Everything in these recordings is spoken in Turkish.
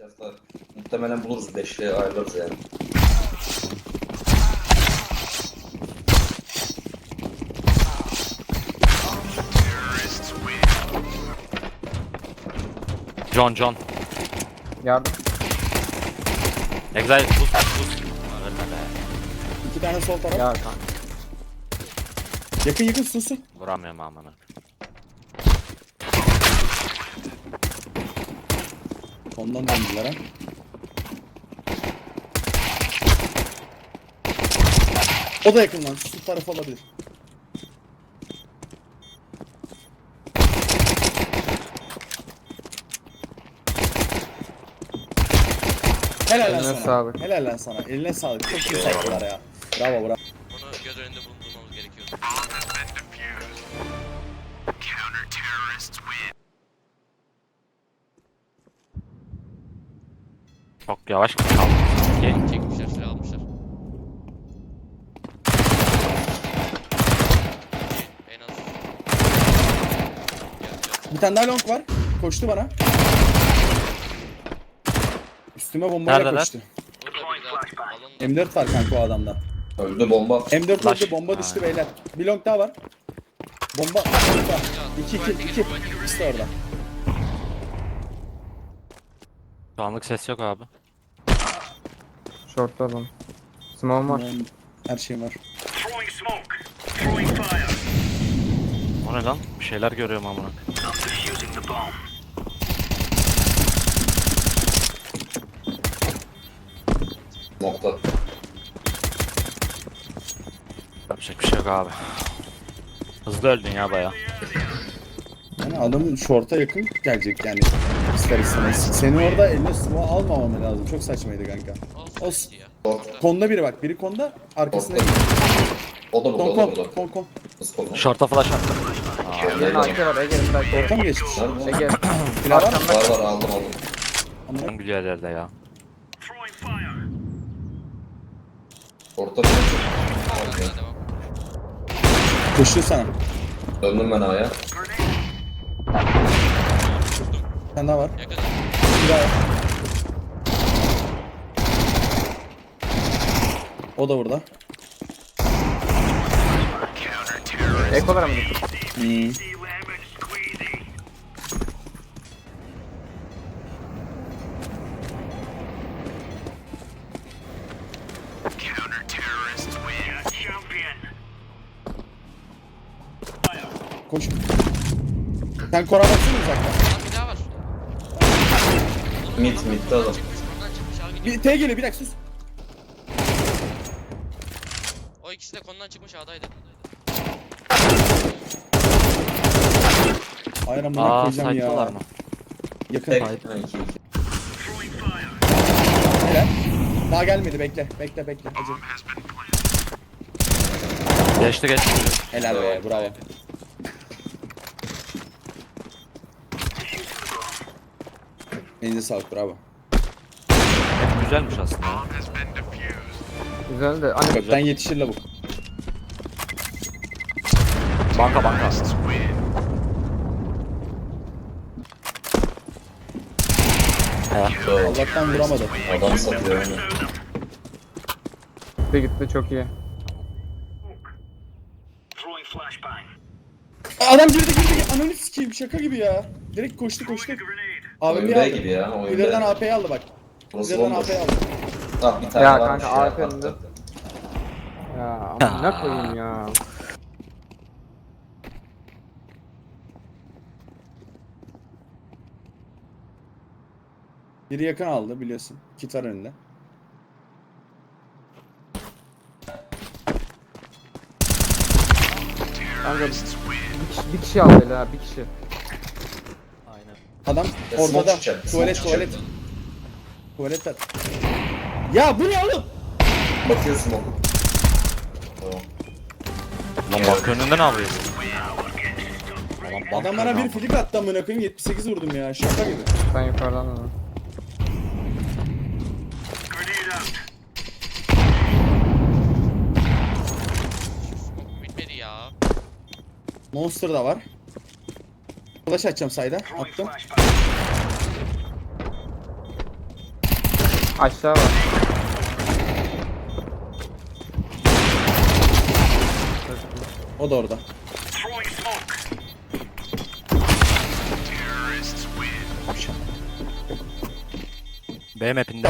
Yazlar. Muhtemelen buluruz. Beşliğe ayarlarız yani. John. Yardım. Exile boost. Ölme be. 2 tane sol taraf. Ya kanka. Yakın susun. Vuramıyorum amına. Ondan döndüler ha. O da yakın lan. Su tarafı olabilir. Helal lan Eline sana. sağlık. Helal lan sana. Eline sağlık. Çok iyi saydılar ya. Bravo bravo. Bunu göz önünde bulundurmamız gerekiyordu. Çok yavaş kaldı. Okey. Çekmişler, silah almışlar. En az. Gel. Bir tane daha long var. Koştu bana. Üstüme bombayla Neredeler? koştu. Burada biri daha. Alın da. M4 var kanka o adamda. Öldü bomba. M4 Flash. öldü, bomba düştü Ha. beyler. Bir long daha var. Bomba. 2. İkisi de orada. Şu anlık ses yok abi. Short'ta adam. Smoke var. Her şeyim var. O ne lan? Bir şeyler görüyorum amına. Nokta. Yapacak bir şey yok abi. Hızlı öldün ya baya. Yani adamın short'a yakın gelecek yani. İster istemez. Senin orada eline smoke almamam lazım. Çok saçmaydı kanka. Olsun. Ya. Konda biri bak. Biri konda. Arkasında. Nokta. O da burada, o da Kon burada. kon. Nasıl konu? Short'a flash attım. Ege'nin AK var. Ege'nin AK Orta var. mı geçmiş? Nerede? Ege. Silah var mı? Arkamda. Var aldım. Amına Hangi yerlerde ya? Orta bir. Okey. Devam. koşuyor sana. Döndüm ben A'ya. Bir tane daha var. Yakın. Bir daha var. O da burada. Ekolara mı gittin? Hmm. Koş. Sen kora baksana uzaktan. Lan bir daha var. Mid'de adam. Çıkmış, ondan çıkmış. Abi gidiyor. Bir T geliyor bir dakika sus. O ikisi de konudan çıkmış A'daydı. Hayır amına Aa koyacağım site'dalar ya. mı? Yakın. Tek. Hayır. 2. Helal. Daha gelmedi bekle. Bekle. Acı. Geçti. Helal be bravo. Elinize sağlık bravo. Hep güzelmiş aslında ya. Güzel de. Hani Kökten yetişir lavuk. Banka. Allah'tan vuramadı. Adam satıyor yani. gitti çok iyi. Adam girdi. Ananı sikeyim şaka gibi ya. Direkt koştu. Oyun AWP'yi B aldı. gibi ya. Oyun İleriden B. AP'yi aldı bak. Burası İleriden bomboş. AP'yi aldı. Ah bir tane Ya varmış kanka, ya. AFK'nde. Attı. Ya ne koyayım ya. Biri yakın aldı biliyorsun. Kitar önünde. Kanka bir kişi aldı hele ha. Bir kişi. Aynen. Adam Ya, orada smoke da. çıkacak, Tuvalet. smoke çıkacak. Tuvaletler. Ya bu ne oğlum? Bakıyorsun oğlum. Tamam. Lan bak önünde ne yapıyor? Adam bana bir flick attı amına koyayım 78 vurdum ya şaka gibi. Ben yukarıdan da. Bitmedi ya. Monster da var. Flash açacağım sayda. Attım. Aşağı var. O da orada. B map'inde.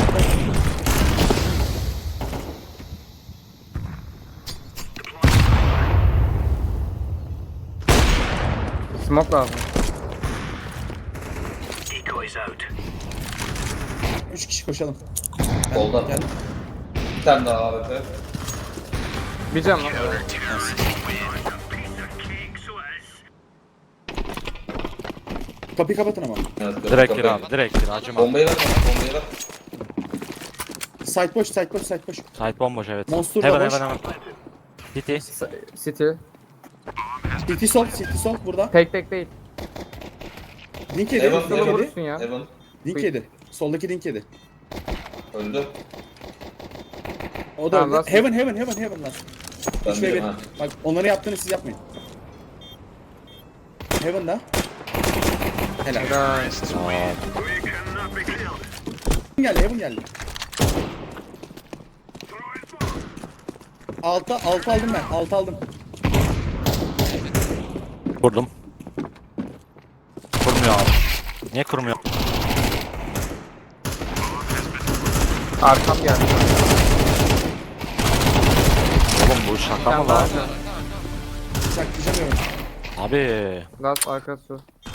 Smoke lazım. 3 kişi koşalım. Solda. Gel. Bir tane daha AWP. Bir can lan. Kapıyı kapatın ama. Evet, Direkt gir kapıyı. abi. Direkt gir. Acıma. Bombayı ver bana, bombayı ver. Side boş, side boş, side boş. Site bomboş evet. Monster da Heaven boş. heaven heaven. City. City. City sol, City sol burada. Tek değil. Link yedi, Evan, link Solo yedi. vurursun ya. Evan Link yedi. Soldaki link yedi. öldü. O da Tamam, öldü. last- Heaven lan. Ben 3 ve 1. değilim ha. Bak onları yaptığını siz yapmayın. Heaven'da. Helal. Helal. Heaven geldi. Altı aldım ben. Altı aldım. Vurdum. Kurmuyor abi. Niye kurmuyor? Arkam geldi. Oğlum bu şaka mı lan? Saklayacağım. Abi. Last arkası.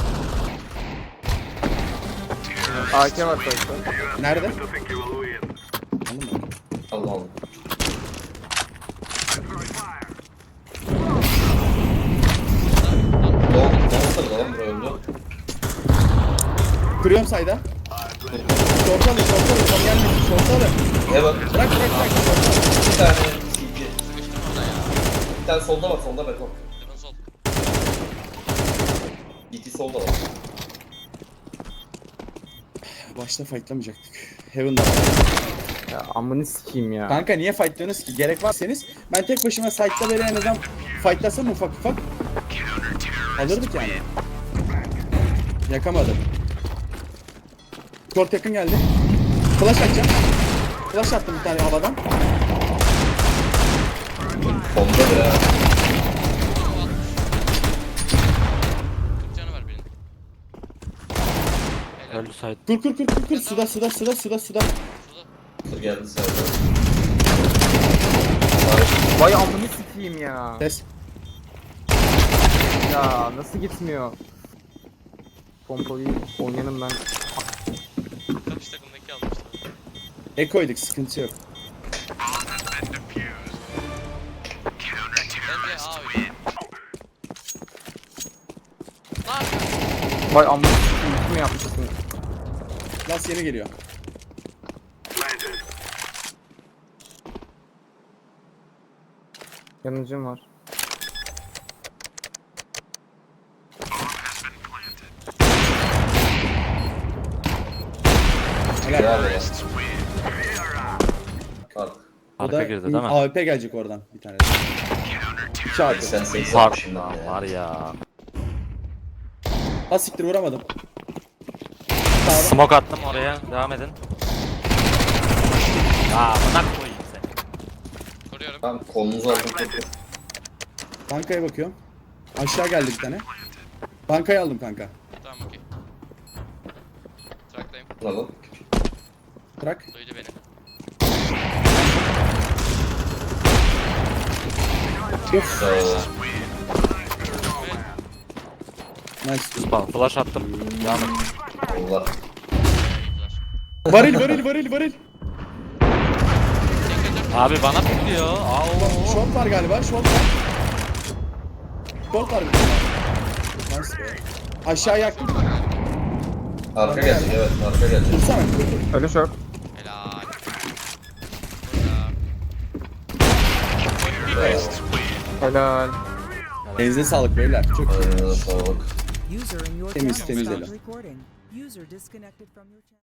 AK var sonuçta. Nerede? Anladın mı? Aldım aldım. Monster da lan bura öldü. Kırıyorum sayda. Şorta alın. Tam gelmesin. Şorta alın. Evan Bırak. bir tane CT. Bir tane solda var, solda beton. Heaven sol. CT solda var. Başta fightlamayacaktık. Heaven'da. Ya amını sikeyim ya. Kanka niye fightlıyorsunuz ki? Gerek varsanız ben tek başıma site'da böyle en azından fightlasam ufak alırdık yani. Yakamadım. Short yakın geldi. Flash atacağım. Flash attım bir tane havadan. Solda ya. 40 canı var birinin. Helal. Öldü site. Kur. Suda. Şurada. Dur geldi sayda. Vay amını sikeyim ya. Ses. Ya nasıl gitmiyor? Pompayı oynayanım ben. Karşı takımdaki almıştı. Ekoyduk sıkıntı yok. Bence A oyun. Ne yapıyorsun? Vay amını sikeyim. Kim yapmışsın? Last yeni geliyor. Yanıcım var. Helal. Helal ya. Bak. O Arka da girdi değil mi? AWP gelecek oradan bir tane. 2 AWP. Sen 80 Var yapmışsın lan ya. var ya. Ha siktir vuramadım. Sağda. Smoke attım oraya. Devam edin. Ya bırak koyayım seni. Koruyorum. Tamam kolunuzu aldım. Bankaya bakıyorum. Aşağı geldi bir tane. Bankayı aldım kanka. Tamam okey. Traktayım. Alalım. Bırak. Duydu beni. Sağ ol. Nice. Spam flash attım. Devam et. Allah. Varil. Abi bana pikliyor. Au. Short var galiba. Short var bir tane. Nice be. Aşağı yaktım. Arka gelecek evet arka gelecek. Dursana. Ölü şok. Helal. Helal. Elinize sağlık beyler. Çok iyi. Sağlık. User in your Temiz, channel temiz stopped ele. recording. User disconnected from your channel.